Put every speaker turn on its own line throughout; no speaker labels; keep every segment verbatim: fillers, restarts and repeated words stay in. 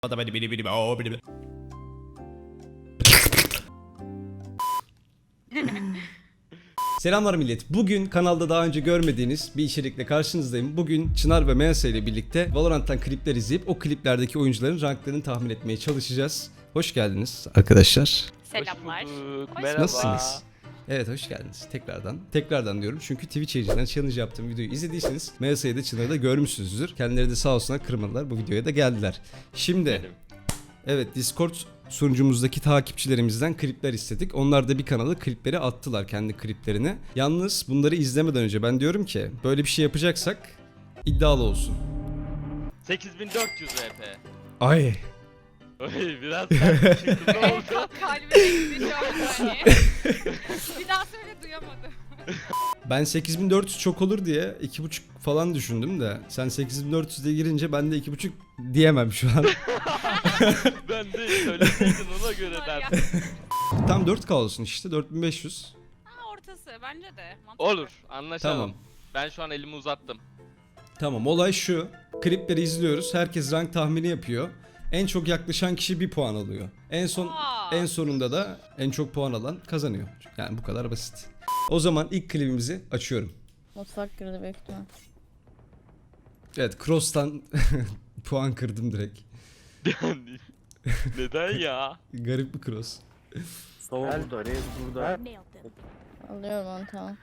Selamlar millet. Bugün kanalda daha önce görmediğiniz bir içerikle karşınızdayım. Bugün Çınar ve Mensa ile birlikte Valorant'tan klipler izleyip o kliplerdeki oyuncuların ranklarını tahmin etmeye çalışacağız. Hoş geldiniz arkadaşlar.
Selamlar.
Hoş Merhaba.
Nasılsınız? Evet, hoş geldiniz tekrardan. Tekrardan diyorum çünkü Twitch yayıncıdan challenge yaptığım videoyu izlediyseniz Mensa'yı da Çınar'ı da görmüşsünüzdür. Kendileri de sağ olsunlar kırmadılar, bu videoya da geldiler. Şimdi
Benim.
evet, Discord sunucumuzdaki takipçilerimizden klipler istedik. Onlar da bir kanala klipleri attılar, kendi kliplerini. Yalnız bunları izlemeden önce ben diyorum ki böyle bir şey yapacaksak iddialı olsun.
sekiz bin dört yüz R P.
Ay.
Oy biraz sert çıktı, ne oldu?
Kalp kalbime gitti şu an saniye. Bir daha söyle duyamadım.
Ben sekiz bin dört yüz çok olur diye iki buçuk falan düşündüm de sen sekiz bin dört yüz'e girince ben de iki buçuk diyemem şu an.
Ben de söyleseydin ona göre
Var ya.
derdim.
Tam dört K olsun işte, dört bin beş yüz.
Ha, ortası bence de. Mantıklı.
Olur, anlaşalım.
Tamam.
Ben şu an elimi uzattım.
Tamam, olay şu. Klipleri izliyoruz. Herkes rank tahmini yapıyor. En çok yaklaşan kişi bir puan alıyor. En son
Aa.
en sonunda da en çok puan alan kazanıyor. Yani bu kadar basit. O zaman ilk klibimizi açıyorum.
Mutfak girdi büyük ihtimal.
Evet, Cross'tan puan kırdım direkt.
Yani neden ya?
Garip bir Cross.
Sova burada, Reis burada.
Alıyorum onu, tamam.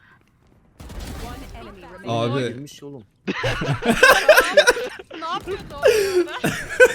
Abi
Girmiş oğlum.
Ne yapıyordu o orada?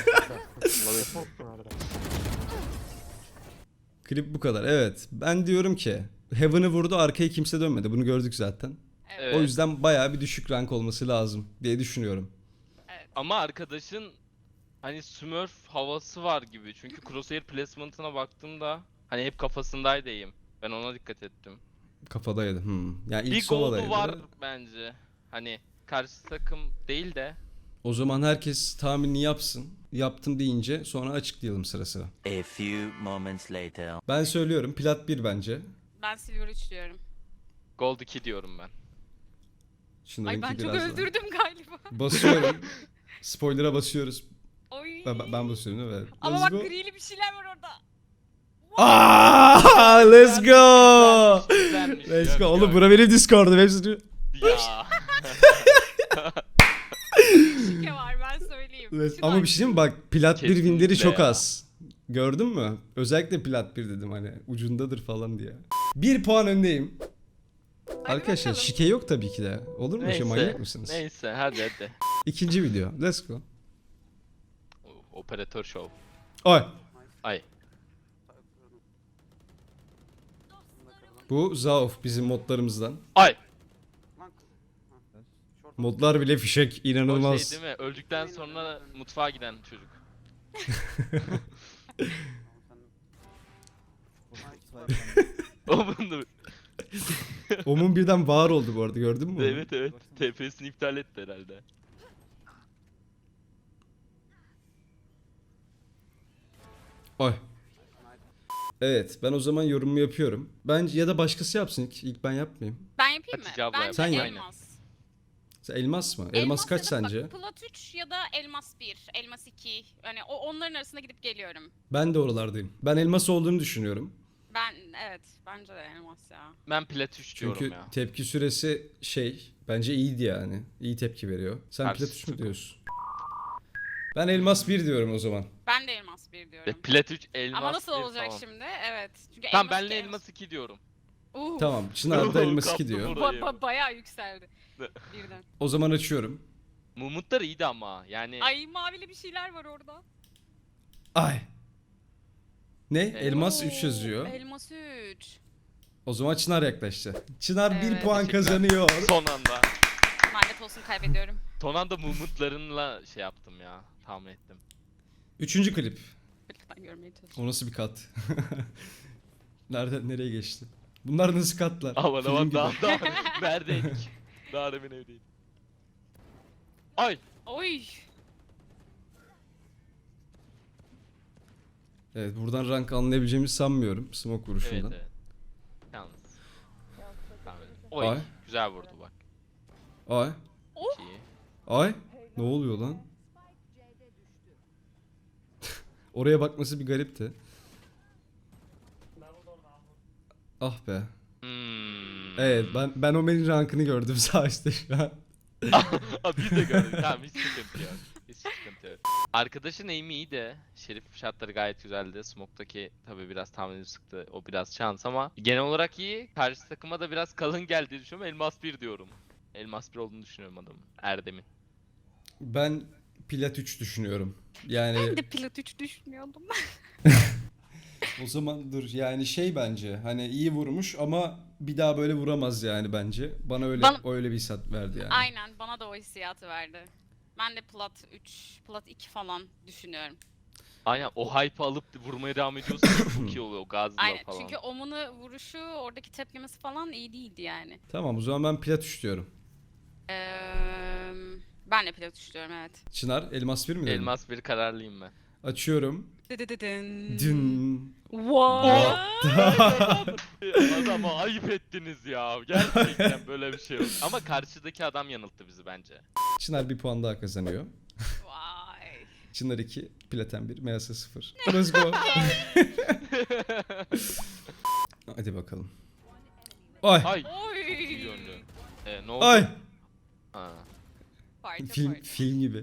klip bu kadar. Evet. Ben diyorum ki Heaven'ı vurdu, arkaya kimse dönmedi. Bunu gördük zaten.
Evet.
O yüzden bayağı bir düşük rank olması lazım diye düşünüyorum.
Ama arkadaşın hani Smurf havası var gibi. Çünkü crosshair placement'ına baktığımda hani hep kafasındaydı eğim. Ben ona dikkat ettim.
Kafadaydı. Hmm. Yani ilk
Bir
Sova'daydı.
goldu var bence. Hani karşı takım değil de.
O zaman herkes tahminini yapsın. Yaptım deyince sonra açıklayalım sıra sıra.
A few moments later.
Ben söylüyorum, plat bir bence.
Ben Silver üç diyorum.
Gold iki diyorum ben.
Şunlarınki
Ay ben çok
biraz daha.
öldürdüm galiba.
Basıyorum. Spoiler'a basıyoruz.
Oy.
Ben, ben basıyorum değil mi? Evet.
Ama
Let's
bak
go.
grili bir şeyler var orada.
Aa, let's go.
Güzelmiş,
Let's
gör,
go. Oğlum
gör.
bura benim Discord'um. Hepsi...
Ya.
Şike var ben söyleyeyim.
Evet,
Şu
ama
da-
bir şey diyeyim mi? Bak, plat bir
Kesinlikle
winleri çok
ya.
az. Gördün mü? Özellikle plat bir dedim, hani ucundadır falan diye. Bir puan öndeyim.
Hadi
Arkadaşlar
bakalım.
şike yok tabii ki de. Olur mu? Şey, manyak mısınız?
Neyse hadi hadi.
İkinci video. Let's go.
Operatör show.
Ay.
Ay.
Bu Zaof bizim modlarımızdan.
Ay.
Modlar bile fişek,
O
inanılmaz.
şey değil mi? Öldükten sonra mutfağa giden çocuk. O bunu.
Omun birden var oldu bu arada, gördün mü? onu?
Evet evet. T P'sini iptal etti herhalde.
Ay. Evet, ben o zaman yorumumu yapıyorum. Bence ya da başkası yapsın ilk, ilk ben yapmayayım.
Ben yapayım mı?
Hatice abla
Bence
yap.
Sen yap.
elmas.
Sen elmas mı? Elmas, kaç
ya da
sence?
Bak, plat üç ya da elmas bir, elmas iki. Hani o onların arasında gidip geliyorum.
Ben de oralardayım. Ben elmas olduğunu düşünüyorum.
Ben evet bence de elmas ya.
Ben plat üç diyorum
Çünkü
ya.
tepki süresi şey, bence iyiydi yani. İyi tepki veriyor. Sen
Karşı
plat üç mü
takım.
diyorsun? Ben elmas bir diyorum o zaman.
Ben de elmas bir
Ve
diyorum.
plat üç elmas
Ama nasıl
bir
olacak
falan.
şimdi? Evet. Çünkü
Tamam
elmas
benle
iki,
elmas iki diyorum.
Uh,
Tamam, Çınar da elmas iki
Kaptım
diyor.
orayı.
Ba- ba- bayağı yükseldi.
Ne?
Birden.
O zaman açıyorum.
Mumutlar iyiydi ama yani.
Ay mavili bir şeyler var orada.
Ay. Ne? Elmas
Oo,
üç yazıyor.
Elmas üç.
O zaman Çınar yaklaştı. Çınar bir
Evet.
puan
Teşekkürler.
kazanıyor.
Son anda.
Lanet olsun kaybediyorum.
Son anda mumutlarınla şey yaptım ya. Tahmin ettim.
Üçüncü klip.
Lütfen görmeye çalışıyorum.
O nasıl bir kat? Nereden nereye geçti? Bunlar nasıl katlar?
Aman
Film
aman
gibi.
daha daha neredeydik? Daha demin evdeydik. Ay.
Oy.
Evet, buradan rank anlayabileceğimizi sanmıyorum smoke
Evet
vuruşundan.
evet. Yalnız. Tamam. Oy.
Ay.
Güzel vurdu bak.
Ay.
İyi.
Ay. Ne oluyor lan? Oraya bakması bir garipti. Ah be.
Hmm.
Evet ben ben Omen'in rankını gördüm sağ üstte şu an.
Abi biz de gördük. Tamam hiç sıkıntı yok. Hiç sıkıntı yok. Arkadaşın aim'i iyi de Şerif şartları gayet güzeldi. Smoke'daki tabii biraz tahminim sıktı. O biraz şans ama genel olarak iyi. Karşı takıma da biraz kalın geldiğini düşünüyorum. Elmas bir diyorum. Elmas bir olduğunu düşünüyorum adamın. Erdem'in.
Ben Plat üç düşünüyorum. Yani
Ben de pilot üç düşünüyordum.
o zaman dur yani şey bence hani iyi vurmuş ama bir daha böyle vuramaz yani bence. Bana öyle
Bana-
öyle bir hissiyat verdi yani.
Aynen bana da o hissiyatı verdi. Ben de plat üç, plat iki falan düşünüyorum.
Aynen o hype'ı alıp vurmaya devam ediyorsun. Çok iyi oluyor o gazla
Aynen
falan.
çünkü Omun'u vuruşu, oradaki tepkimesi falan iyi değildi yani.
Tamam o zaman ben Plat üç diyorum.
Ee, ben de pilot üç diyorum evet.
Çınar Elmas bir mi dedin?
Elmas bir kararlıyım ben.
Açıyorum.
Dıdıdıdın.
Dün.
What?
Adama ayıp ettiniz ya. Gerçekten böyle bir şey yok. Ama karşıdaki adam yanılttı bizi bence.
Çınar bir puan daha kazanıyor.
Vay.
Çınar iki, Platen bir, M S sıfır. Let's go. Hadi bakalım. Ay.
Ay.
Oy.
İyi yönlü. Ee, ne oldu?
Ay.
Ha.
Parça
Film
parça.
film gibi.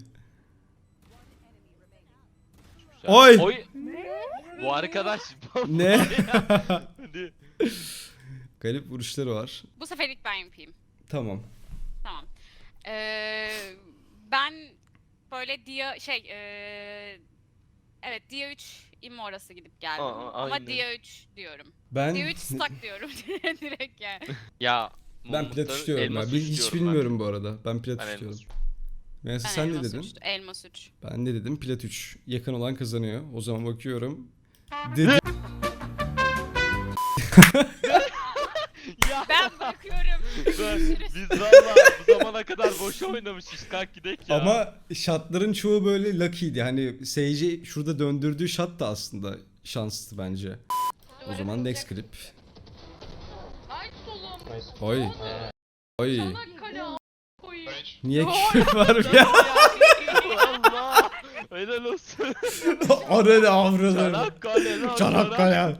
güzel.
Oy.
Oy. Bu arkadaş.
Ne?
Hadi.
Garip vuruşları var.
Bu seferlik ben yapayım.
Tamam.
Tamam. Ee, ben böyle Dia şey ee, evet Dia üç immo arası gidip geldim.
Aa,
Ama
aynen.
Dia üç diyorum.
Ben
Dia üç stack diyorum direkt yani.
Ya.
ben
Mumutları
Plat üç diyorum
elmas
ya. Bil-
üç
Hiç
diyorum
bilmiyorum bu arada. Ben Plat
Ben, ben
üç diyorum.
elmas üç.
Mesela
Ben
sen ne
elmas
dedin?
üç, elmas üç.
Ben ne dedim? Plat üç. Yakın olan kazanıyor. O zaman bakıyorum. Dedi.
Ya.
Ben bırakıyorum.
Ben- biz valla bu zamana kadar boş oynamışız. Kalk gidek ya.
Ama şatların çoğu böyle lucky'ydi. Hani Sage'i şurada döndürdüğü şat da aslında şanslı bence. O zaman next clip.
Ay solum.
Oy. Oy.
Kale koyayım.
Niye küfür var ya?
Allah. Helal olsun.
Orada da avradım.
Çanakkale lan.
Çanakkale.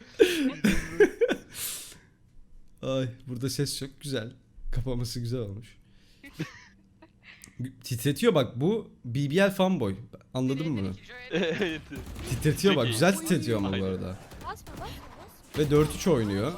Ay burada ses çok güzel. Kapaması güzel olmuş. Titretiyor bak bu B B L fanboy. Anladın mı bunu?
Evet.
Titretiyor bak
Çok iyi.
güzel titretiyor ama bu
Aynen.
arada. Ve dört üç oynuyor.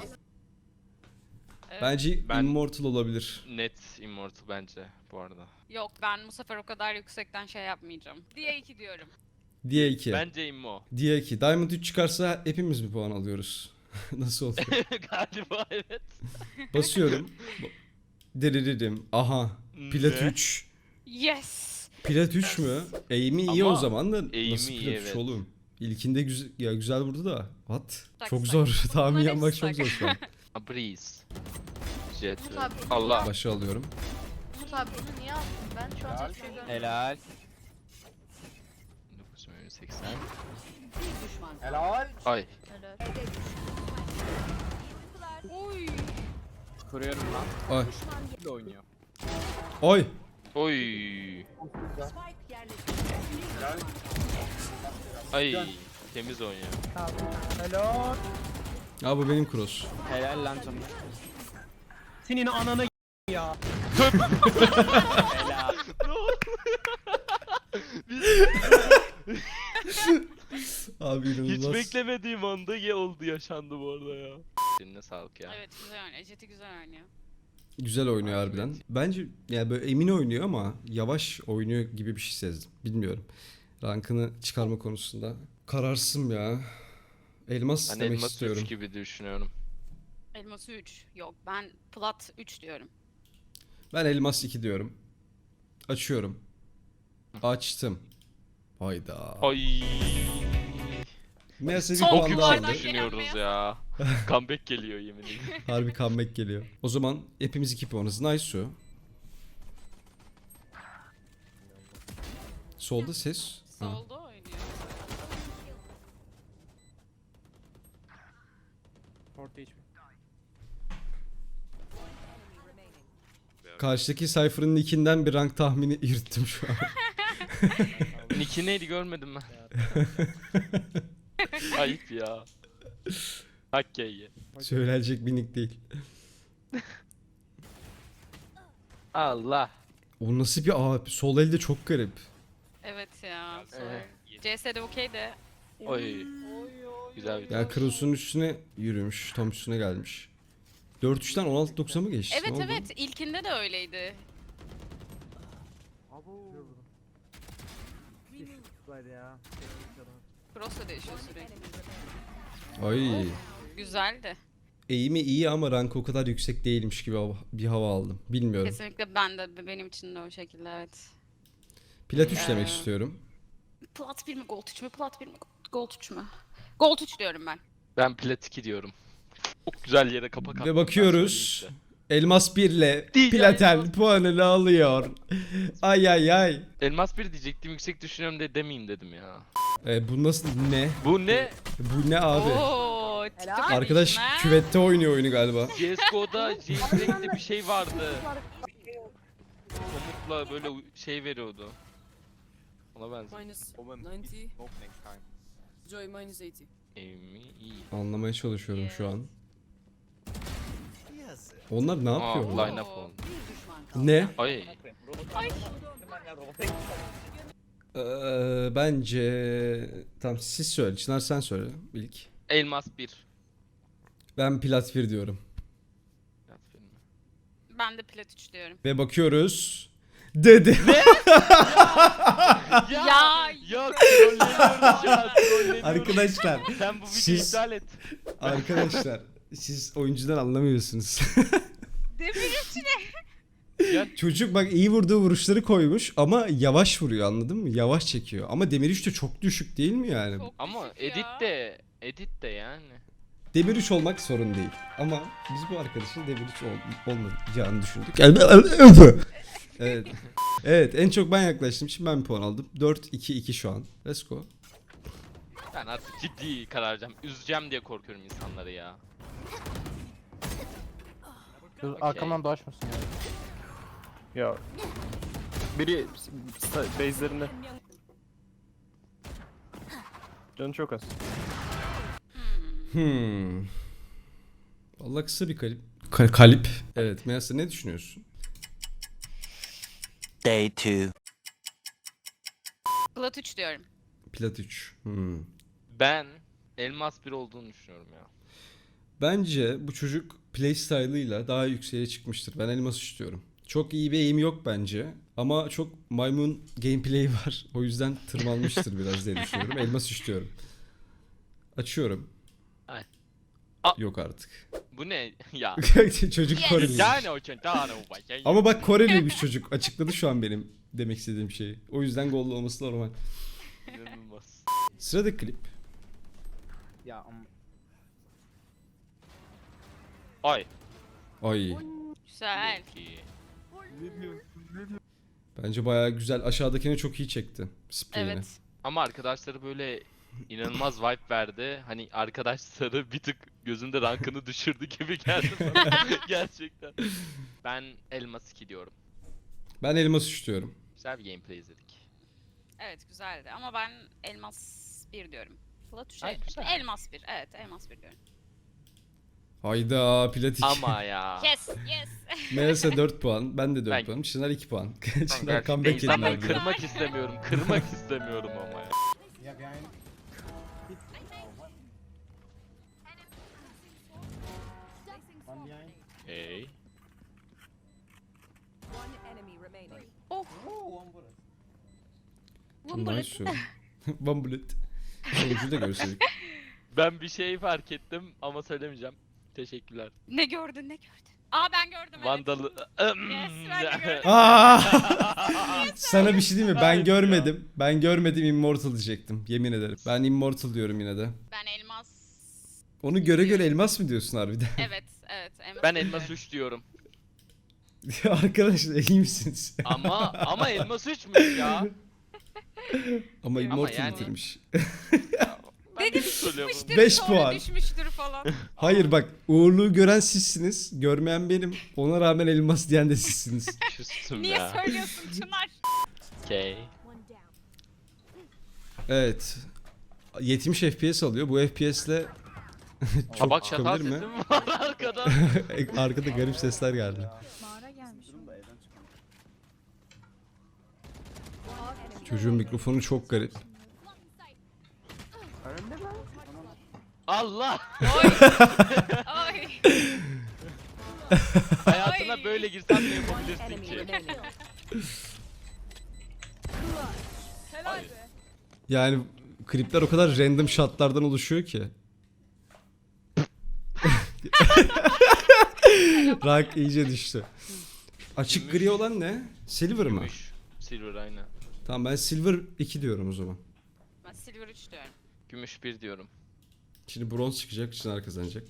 Bence
Ben-
Immortal olabilir.
Net Immortal bence bu arada.
Yok ben bu sefer o kadar yüksekten şey yapmayacağım. Dia iki diyorum.
Dia iki.
Bence Immo.
Dia iki. Diamond üç çıkarsa hepimiz bir puan alıyoruz. Nasıl olacak?
Galiba evet.
Basıyorum. Deriririm. Aha. Plat
Ne?
üç.
Yes.
Plat üç mü? Aim'i iyi
Ama
o zaman da
aim'i
nasıl
iyi,
Plat üç
evet.
oğlum? İlkinde güzel, ya güzel vurdu da. What?
Tak,
Çok
tak.
zor. Tahmin
Bunların
yapmak
hepsi
çok
tak.
zor şu an.
A Breeze. Jet.
Umut abi,
Allah.
Başa alıyorum.
Umut abi bunu niye aldın? Ben şu an hiçbir şey görmedim.
Helal.
bin dokuz yüz seksen.
Helal.
Ay.
Helal.
Oy.
Kuruyorum lan.
Ay.
Kimle oynuyor?
Oy.
Oy. Ay. Temiz oynuyor.
Helal.
Ya bu benim cross.
Helal lan canım. Senin ananı ya. Helal.
Abi
Hiç
inanılmaz.
beklemediğim anda ye oldu yaşandı bu arada ya. Eline sağlık ya.
Evet güzel oynuyor. Jet'i güzel oynuyor.
Güzel oynuyor harbiden. Bence yani böyle emin oynuyor ama yavaş oynuyor gibi bir şey sezdim. Bilmiyorum. Rankını çıkarma konusunda. Kararsızım ya. Elmas
Ben
demek
elmas
istiyorum.
üç gibi düşünüyorum.
Elması üç. Yok ben plat üç diyorum.
Ben elmas iki diyorum. Açıyorum. Açtım. Hayda.
Ay.
Meğerse bir
Son
Çok
puan daha
kulvardan
aldı.
yüksek düşünüyoruz ya. Comeback geliyor yemin ederim.
Harbi comeback geliyor. O zaman hepimiz iki puanız. Nice su. Solda ses. Ha.
Solda oynuyor.
Orta hiç.
Karşıdaki Cypher'ın nickinden bir rank tahmini yürüttüm şu an.
Nick'i neydi görmedim ben. Ayıp ya. Hakkeyi.
Söylenecek bir nick değil.
Allah.
O nasıl bir abi? Sol elde çok garip.
Evet ya.
Evet.
C S'de okey de.
Oy. Güzel bir
Ya Kros'un üstüne yürümüş. Tam üstüne gelmiş. dört üçten on altı doksan mı geçti?
Evet
Ne oldu?
evet ilkinde de öyleydi. Cross da değişiyor sürekli.
Ay.
Güzeldi.
Eğimi iyi ama rankı o kadar yüksek değilmiş gibi hava- bir hava aldım. Bilmiyorum.
Kesinlikle ben de benim için de o şekilde evet.
Plat üç demek
Ee,
istiyorum.
Plat bir mi gold üç mü? Plat bir mi gold üç mü? Gold üç diyorum ben.
Ben plat iki diyorum. Çok güzel yere kapak attım.
Ve
ben
bakıyoruz.
söyleyeyim
Elmas bir ile
Diyeceğim
Platen
Elmas.
puanını alıyor. Ay ay ay.
size. Elmas bir diyecektim, yüksek düşünüyorum de demeyeyim dedim ya.
E, bu nasıl ne?
Bu ne?
Bu ne abi?
Oo, TikTok
Arkadaş
demişsin ha?
küvette oynuyor oyunu galiba.
C S G O'da jailbreak'te bir şey vardı. Komutla böyle u- şey veriyordu. Ona benziyor.
Minus ninety. Joy minus eighty.
Amy iyi.
Anlamaya çalışıyorum şu an. Onlar ne
Aa,
yapıyor?
line up oldu.
Ne?
Ay.
Ee, bence tamam siz söyle. Çınar sen söyle ilk.
Elmas bir.
Ben plat bir diyorum.
Ben de plat üç diyorum.
Ve bakıyoruz. Dedi.
Ya!
Ya!
Ya trolleniyoruz şu an, trolleniyoruz.
Arkadaşlar.
Sen bu videoyu
siz-
iptal et.
Arkadaşlar siz oyuncudan anlamıyorsunuz.
Demir
Ya
Çocuk bak iyi vurduğu vuruşları koymuş ama yavaş vuruyor anladın mı? Yavaş çekiyor. Ama Demir üç de çok düşük değil mi yani?
Çok
ama
düşük
edit
ya.
de edit de yani.
Demir üç olmak sorun değil. Ama biz bu arkadaşın Demir üç ol- olmayacağını düşündük. Evet. Evet en çok ben yaklaştım. Şimdi ben bir puan aldım. dört iki iki şu an. Let's go.
Ben artık ciddi karar vereceğim. Üzeceğim diye korkuyorum insanları ya.
Dur
Okey.
arkamdan dolaşmasın ya. Ya. Biri s- base'lerinde. Canı çok az.
Hmm. Vallahi kısa bir kalip. Ka- kalip. Evet. Meğerse ne düşünüyorsun?
Day two.
Plat üç diyorum.
Plat üç. Hmm.
Ben elmas bir olduğunu düşünüyorum ya.
Bence bu çocuk playstyle'ıyla daha yükseğe çıkmıştır. Ben elmas istiyorum. Çok iyi bir aim yok bence. Ama çok maymun gameplay var. O yüzden tırmanmıştır biraz diye düşünüyorum. Elmas istiyorum. Açıyorum.
Ay. A-
Yok artık.
Bu ne ya?
Çocuk
Yes.
Koreliymiş.
Yani o çentano bakayım.
Ama bak Koreliymiş çocuk. Açıkladı şu an benim demek istediğim şeyi. O yüzden gollu olması normal.
İnanılmaz.
Sıradaki klip.
Ya
Ay.
Ay.
Güzel.
Çok iyi.
Bence bayağı güzel. Aşağıdakini çok iyi çekti. Spreyini.
Evet.
Ama arkadaşları böyle inanılmaz vibe verdi. Hani arkadaşları bir tık gözümde rankını düşürdü gibi geldi bana. Gerçekten. Ben elmas iki diyorum.
Ben elmas istiyorum.
Güzel bir gameplay izledik.
Evet güzeldi ama ben elmas bir diyorum. Plat üç.
Ay, güzel.
Elmas bir. Evet elmas bir diyorum.
Hayda platik.
Ama ya.
Yes yes.
Meğerse dört puan. Ben de dört
Ben-
puan. Çınar iki puan.
Tamam,
Çınar
gerçekten
comeback
insanları
yediler diyor.
kırmak istemiyorum. Kırmak istemiyorum ama ya. Hey.
Oh.
Nice. One bullet. Sonucu da görseydik.
Ben bir şey fark ettim ama söylemeyeceğim. Teşekkürler.
Ne gördün ne gördün? Aa ben gördüm evet.
Vandalı...
Yes ben de gördüm.
Aa! Sana bir şey diyeyim mi? Ben görmedim. Ben görmedim Immortal diyecektim. Yemin ederim. Ben Immortal diyorum yine de.
Ben elmas.
Onu göre göre elmas mı diyorsun harbiden?
Evet evet. Elmas
Ben
bir
elmas
diyorum.
üç diyorum.
Arkadaşlar iyi misiniz?
Ama ama elmas üçmüş ya.
Ama Immortal
yani-
bitirmiş.
Ben de söylüyorum.
Düşmüştür,
Beş
sonra
puan.
düşmüştür falan.
Hayır bak uğurluğu gören sizsiniz. Görmeyen benim. Ona rağmen elmas diyen de sizsiniz.
Küstüm
Niye
ya.
söylüyorsun Çınar?
Okey.
Evet. yetmiş F P S alıyor. Bu F P S'le çok
Tabak çatal
çıkabilir mi?
sesim var arkadan.
Arkada garip sesler geldi.
Mağara gelmiş.
Çocuğun mikrofonu çok garip.
Allah!
Oy. Oy.
Hayatına
Ay.
böyle girsen ne yapabilirsin ki?
Yani klipler o kadar random shotlardan oluşuyor ki. Rank iyice düştü. Açık gri olan ne? Silver mı?
Gümüş. Silver aynen.
Tamam ben Silver iki diyorum o zaman.
Ben Silver üç diyorum.
Gümüş bir diyorum.
Şimdi bronz çıkacak, Çınar kazanacak.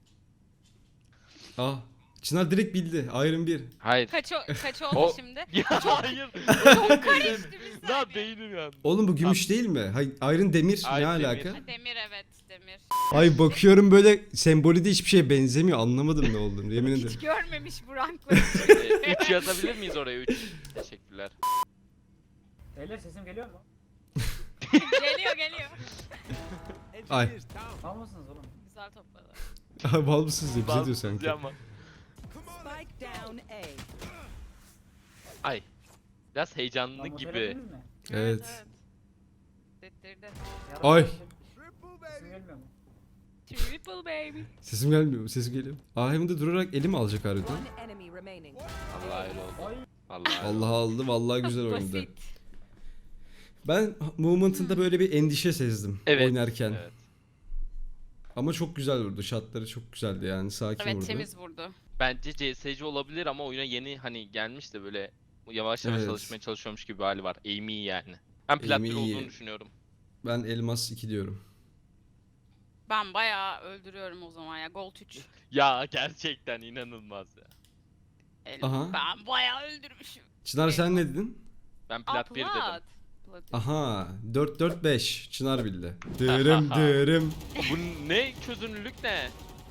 Ah, Çınar direkt bildi. Iron bir.
Hayır.
Kaç, o, kaç oldu
O-
şimdi?
Ya hayır.
Çok karıştı bir
Lan
saniye.
beynim yandı.
Oğlum bu gümüş değil mi? Hay, Iron demir ne
Iron demir.
alaka?
Ha, Demir evet demir.
Ay bakıyorum böyle sembolü de hiçbir şeye benzemiyor. Anlamadım ne olduğunu yemin ederim.
Hiç görmemiş bu rankları.
üç yazabilir miyiz oraya üç? Teşekkürler.
Beyler sesim geliyor mu?
Geliyor geliyor.
Ay.
Var mısınız oğlum?
Güzel topladı.
Ay bal mısınız diye bize diyor
Bazı
sanki.
ama.
Spike down A.
Ay. Biraz heyecanlı gibi.
Evet.
Dettirdi.
Ay.
Sesim gelmiyor mu?
Triple baby.
Sesim gelmiyor mu? Sesim geliyor. Ah hem de durarak elim alacak harbiden.
One enemy remaining.
Allah öyle oldu. Allah öyle
Allah aldı. Vallahi güzel oynadı.
Basit.
Ben movement'ında böyle bir endişe sezdim
Evet.
oynarken.
Evet.
Ama çok güzel vurdu. Shotları çok güzeldi yani. Sakin
Evet
vurdu.
temiz vurdu.
Bence C S G olabilir ama oyuna yeni hani gelmiş de böyle yavaş yavaş
Evet.
çalışmaya çalışıyormuş gibi bir hali var. Aim iyi yani. Ben plat
Aim
bir
iyi.
olduğunu düşünüyorum.
Ben elmas iki diyorum.
Ben bayağı öldürüyorum o zaman ya. Gold üç.
Ya gerçekten inanılmaz ya.
El-
Aha.
Ben bayağı öldürmüşüm.
Çınar sen ne dedin?
Ben
Aa,
plat bir dedim.
plat. Plat.
Aha dört dört beş Çınar bildi. Dırım dırım.
Bu ne çözünürlük ne?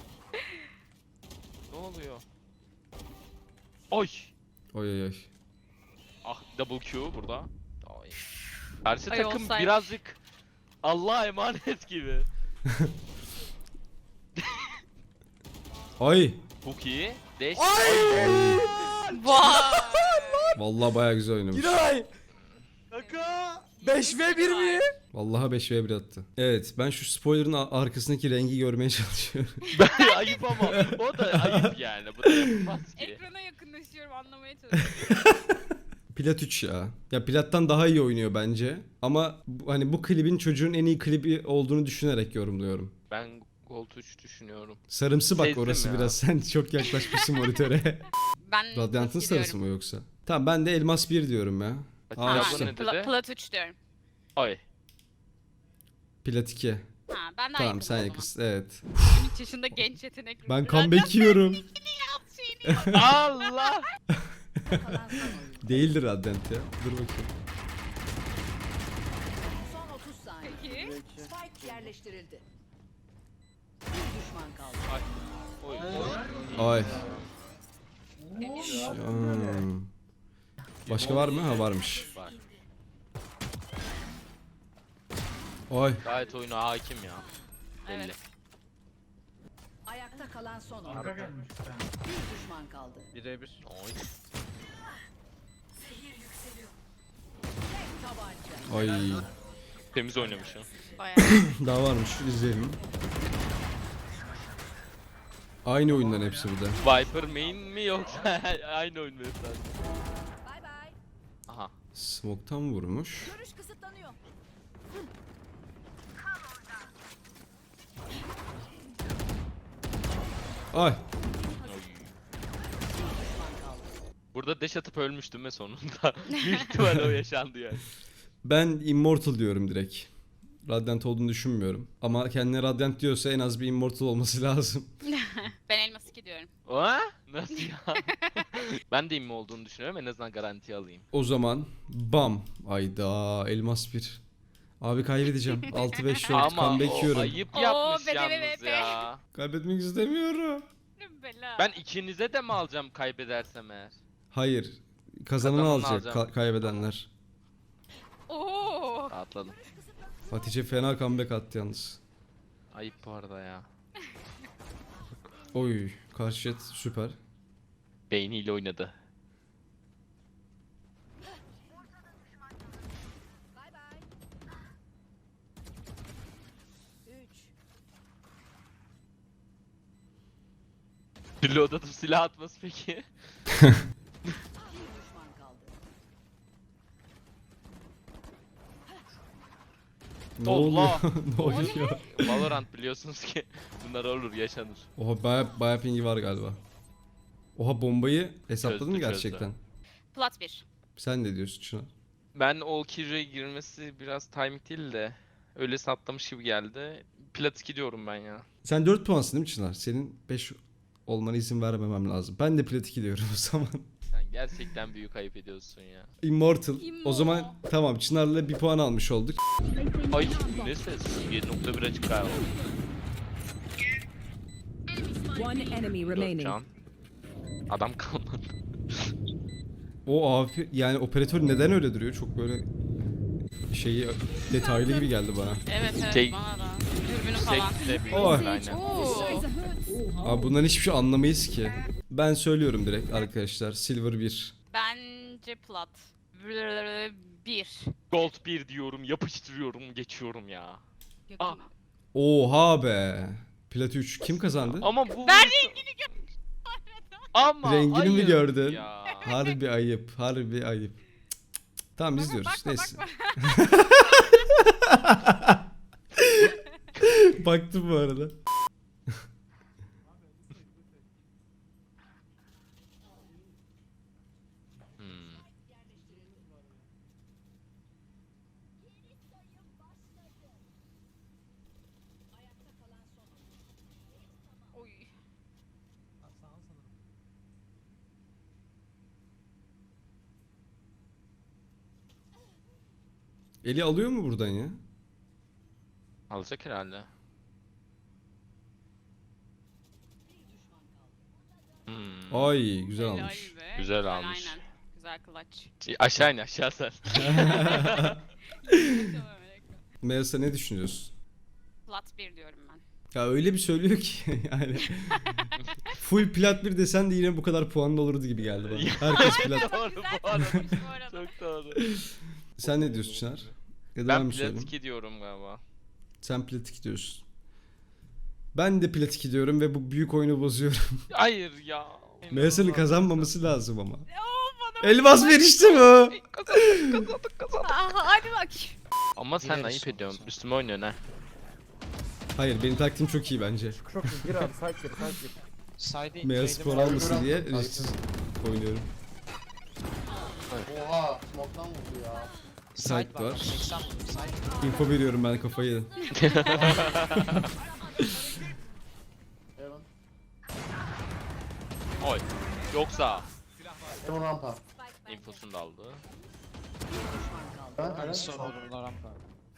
Ne oluyor? Oy!
Oy oy oy.
Ah double Q burada. Ay. Karşı
Ay,
takım
olsaymış.
birazcık Allah'a emanet gibi.
Ay.
Çok iyi. Deş.
Vay.
Vallahi baya güzel oynamış.
Kaka.
beş ve bir mi?
Vallahi beş ve bir attı. Evet ben şu spoiler'ın a- arkasındaki rengi görmeye çalışıyorum.
Ben ayıp ama o da ayıp yani. Bu da yapılmaz ki.
Ekrana yakınlaşıyorum anlamaya çalışıyorum.
Plat üç ya. Ya Plat'tan daha iyi oynuyor bence. Ama bu- hani bu klibin çocuğun en iyi klibi olduğunu düşünerek yorumluyorum.
Ben Gold üç düşünüyorum.
Sarımsı bak
Sezdim
orası
ya.
biraz. Sen çok yaklaşmışsın monitöre.
Ben
Radyant'ın
plat
sarısı mı yoksa? Tamam ben de elmas bir diyorum ya.
Hadi
Aa,
ya
işte.
bu ne
Pla-
dedi?
plat üç diyorum.
Ay.
Plat iki.
Ha, ben de
Tamam
yakınım
sen
o zaman.
yakınsın evet.
yirmi üç yaşında genç yetenekli.
Ben
Radyan
comeback yiyorum.
şeyini yap.
Allah!
Değildir Radyant ya. Dur bakayım.
Son otuz saniye.
Peki.
Spike yerleştirildi. Bir düşman kaldı.
Oy.
Ay.
Temiz.
Hmm. Başka var mı? Ha varmış.
Var.
Ay.
Gayet oyuna hakim ya. Belli.
Evet.
Ayakta kalan son oyun.
Arka gelmiş.
Bir düşman kaldı.
Birebir.
Oy.
Tabanca.
Ay.
Temiz oynamış ya.
Bayağı.
Daha varmış. İzleyelim. Aynı oyundan hepsi bir de.
Viper main mi yoksa aynı oyun mu esas?
Bay bay.
Aha.
Smoke'tan vurmuş.
Görüş kısıtlanıyor.
Ay.
Burada dash atıp ölmüştüm ve sonunda. Büyük ihtimal o yaşandı yani.
Ben Immortal diyorum direkt. Radiant olduğunu düşünmüyorum. Ama kendine Radiant diyorsa en az bir Immortal olması lazım.
Ben elmas iki diyorum.
Oha? Nasıl ya? Ben de immi olduğunu düşünüyorum. En azından garanti alayım.
O zaman bam. Ayda elmas bir. Abi kaybedeceğim. altı beş dört
Ama
comeback
o
yiyorum.
ayıp
Oo,
yapmış
be, be, be,
yalnız
be.
ya.
Kaybetmek istemiyorum.
Bela.
Ben ikinize de mi alacağım kaybedersem eğer?
Hayır. Kazananı
Kazananı
alacak
alacağım.
ka- kaybedenler.
Oo.
Rahatladım.
Hatice fena comeback attı yalnız.
Ayıp bu arada ya.
Oy, karşı jet süper.
Beyniyle oynadı. Reload atıp silah atması peki?
Ne
Allah!
oluyor? ne oluyor?
Valorant biliyorsunuz ki bunlar olur, yaşanır.
Oha baya, baya pingi var galiba. Oha bombayı hesapladın
Çözdü,
mı
çözdü.
gerçekten?
Plat bir.
Sen ne diyorsun Çınar?
Ben o Kira'ya girmesi biraz timing değil de öyle saptamış gibi geldi. Plat iki diyorum ben ya.
Sen dört puansın değil mi Çınar? Senin beş olmana izin vermemem lazım. Ben de plat iki diyorum o zaman.
Sen gerçekten büyük ayıp ediyorsun ya.
Immortal.
Immo.
O zaman tamam Çınar'la bir puan almış olduk.
Ay ne ses? bir nokta bir açık galiba.
One enemy
Dört
remaining.
can. Adam kalmadı.
O abi yani operatör neden öyle duruyor? Çok böyle şeyi detaylı gibi geldi bana.
Evet evet
Şey-
bana da. Dürbünü falan.
Sekte büyük
Oy.
aynen.
Oo.
Abi bundan hiçbir şey anlamayız ki. Ben söylüyorum direkt arkadaşlar. Silver bir.
Bence plat. Bir.
Gold bir diyorum, yapıştırıyorum, geçiyorum ya. Ah.
Oha be. Plat üç. Kim kazandı?
Ama bu...
Ben rengini gör.
Ama
Rengini mi
ayıp
gördün?
Ya.
Harbi ayıp. Harbi ayıp. Cık, cık, cık. Tamam izliyoruz.
Bakma,
Neyse.
bakma.
Baktım bu arada.
Hmm.
Oy.
Eli alıyor mu buradan ya?
Alacak herhalde. Hmm.
Ay güzel
Helal
almış.
be.
Güzel almış.
Aynen. Güzel clutch.
Şey, aşağı in aşağı sen.
Melisa ne düşünüyorsun?
Plat bir diyorum ben.
Ya öyle bir söylüyor ki yani. Full plat bir desen de yine bu kadar puanlı olurdu gibi geldi bana. Herkes plat.
Doğru
Güzel
bu arada.
çıkmış bu arada.
Çok doğru.
Sen ne diyorsun Çınar? Ya da ben,
Ben
mi
plat
söyleyeyim?
iki diyorum galiba.
Sen plat iki diyorsun. Ben de plat iki diyorum ve bu büyük oyunu bozuyorum.
Hayır ya.
Melisa'nın kazanmaması lazım ama.
Oo, bana
Elmas
bak.
verişti bu.
Kazandık kazandık kazandık.
Aha, hadi bak.
Ama sen ayıp ediyorsun. Üstüme oynuyorsun ha.
Hayır benim taktiğim çok iyi bence.
Çok iyi. Gir abi. Side gir. Side gir.
Beyaz spor almasın diye risksiz oynuyorum.
Oha, smoke'tan vurdu ya.
Site var. Info veriyorum ben kafayı yedim.
Heaven.
Oy. Yoksa
Heaven rampa.
infosunu da aldı.
Ben helal.
rampa.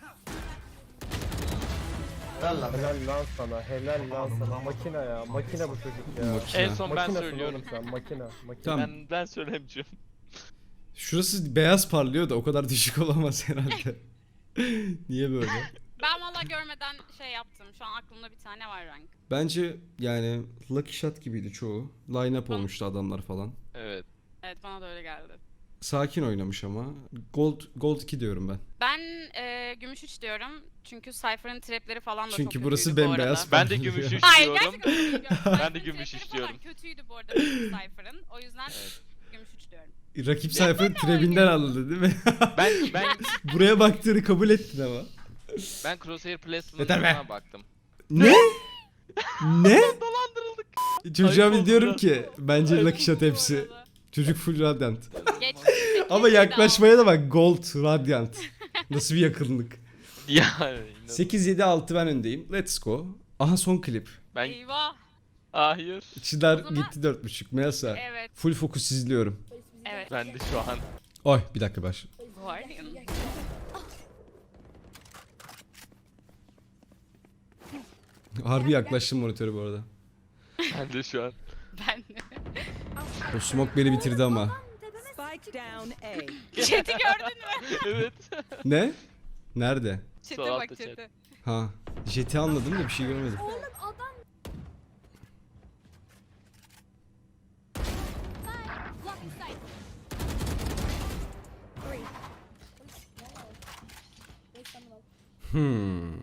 Helal lan.
Helal lan sana. Helal lan sana. Makine ya. Makine bu çocuk ya.
Makine.
En son ben
Makinesin
söylüyorum.
oğlum sen. Makine. Makine.
Tamam.
Ben ben söylemeyeceğim.
Şurası beyaz parlıyor da o kadar düşük olamaz herhalde. Niye böyle?
Ben valla görmeden şey yaptım. Şu an aklımda bir tane var rank.
Bence yani Lucky Shot gibiydi çoğu. Line up olmuştu adamlar falan.
Evet.
Evet bana da öyle geldi.
Sakin oynamış ama. Gold Gold iki diyorum ben.
Ben e, gümüş üç diyorum. Çünkü Cypher'ın trapleri falan da
Çünkü
çok
burası
kötüydü bu
bembeyaz.
arada.
Ben de gümüş üç
Hayır
diyorum.
gerçekten öyle değil.
Ben de
Cypher'ın
gümüş
trapleri
üç
falan
diyorum.
kötüydü bu arada Cypher'ın. O yüzden gümüş üç diyorum.
Rakip sayfanın trebinden anladı değil mi?
Ben ben
Buraya baktığını kabul ettin ama.
ben Crosshair
Yeter be.
Placement'ına baktım.
Ne? ne?
Dolandırıldık.
Çocuğa
Ayıp
bir
oldu
diyorum
biraz.
ki bence
Ayıp
Lucky Shot
oldu bu
hepsi.
arada.
Çocuk full Radiant.
Geç,
Ama yaklaşmaya da bak Gold Radiant. Nasıl bir yakınlık.
Yani.
sekiz yedi altı ben öndeyim. Let's go. Aha son klip.
Ben
Eyvah.
hayır.
Çınar
O zaman-
gitti dört buçuk. Melisa.
Evet.
Full fokus izliyorum.
Evet.
Ben de şu an.
Oy bir dakika baş.
Guardian.
Harbi yaklaştım monitörü bu arada.
Ben de şu an.
Ben de.
O smoke beni bitirdi ama.
Spike down A.
Chat'i gördün mü?
Evet.
Ne? Nerede?
Çete
Sol
bak
altta chat.
çete.
Ha. Jet'i anladım da bir şey görmedim. Hmm.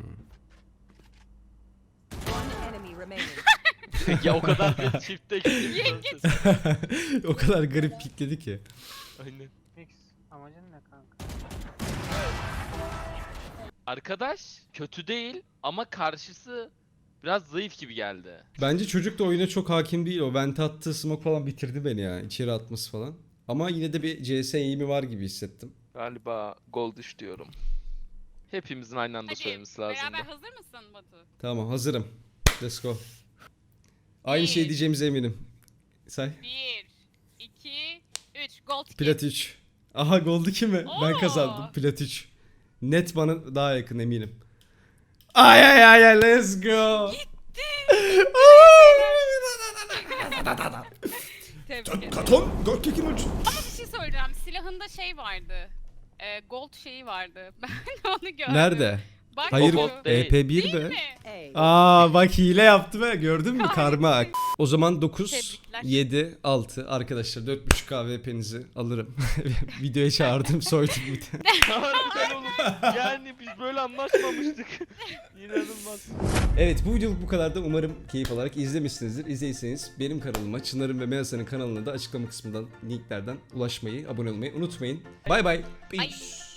Ya o kadar bir çifte gidiyor.
O kadar garip pikledi ki.
Aynen.
Amacın ne kanka?
Arkadaş kötü değil ama karşısı biraz zayıf gibi geldi.
Bence çocuk da oyuna çok hakim değil. O vente attığı smoke falan bitirdi beni ya. İçeri atması falan. Ama yine de bir C S eğimi var gibi hissettim.
Galiba gol düş diyorum. Hepimizin aynı anda
Hadi
söylemesi lazım.
beraber hazır mısın Batu?
Tamam hazırım. Let's go. Aynı
Bir.
şey diyeceğimize eminim. Say.
bir, iki, üç. Gold kick.
Plat üç. Aha gold iki mi? Ben
Oo.
kazandım. Plat üç. Net bana daha yakın eminim. Ay ay ay ay let's go.
Tebrik ederim.
Katon gold kick'in ucu.
Ama bir şey söyleyeceğim. Silahında şey vardı. E, gold şeyi vardı. Ben onu gördüm.
Nerede?
Bak
Hayır
şu.
gold değil.
E P bir
Değil
be.
mi?
Aa bak hile yaptı be. Gördün mü karma? O zaman dokuz,
Tebrikler.
yedi, altı arkadaşlar dört buçuk K V P'nizi alırım. Videoya çağırdım soydum bir de.
Harbiden oğlum. Yani biz böyle anlaşmamıştık. İnanılmaz.
Evet bu videoluk bu kadar da umarım keyif alarak izlemişsinizdir. İzleyseniz benim kanalıma Çınar'ın ve Melisa'nın kanalına da açıklama kısmından linklerden ulaşmayı, abone olmayı unutmayın. Bay bay. Peace.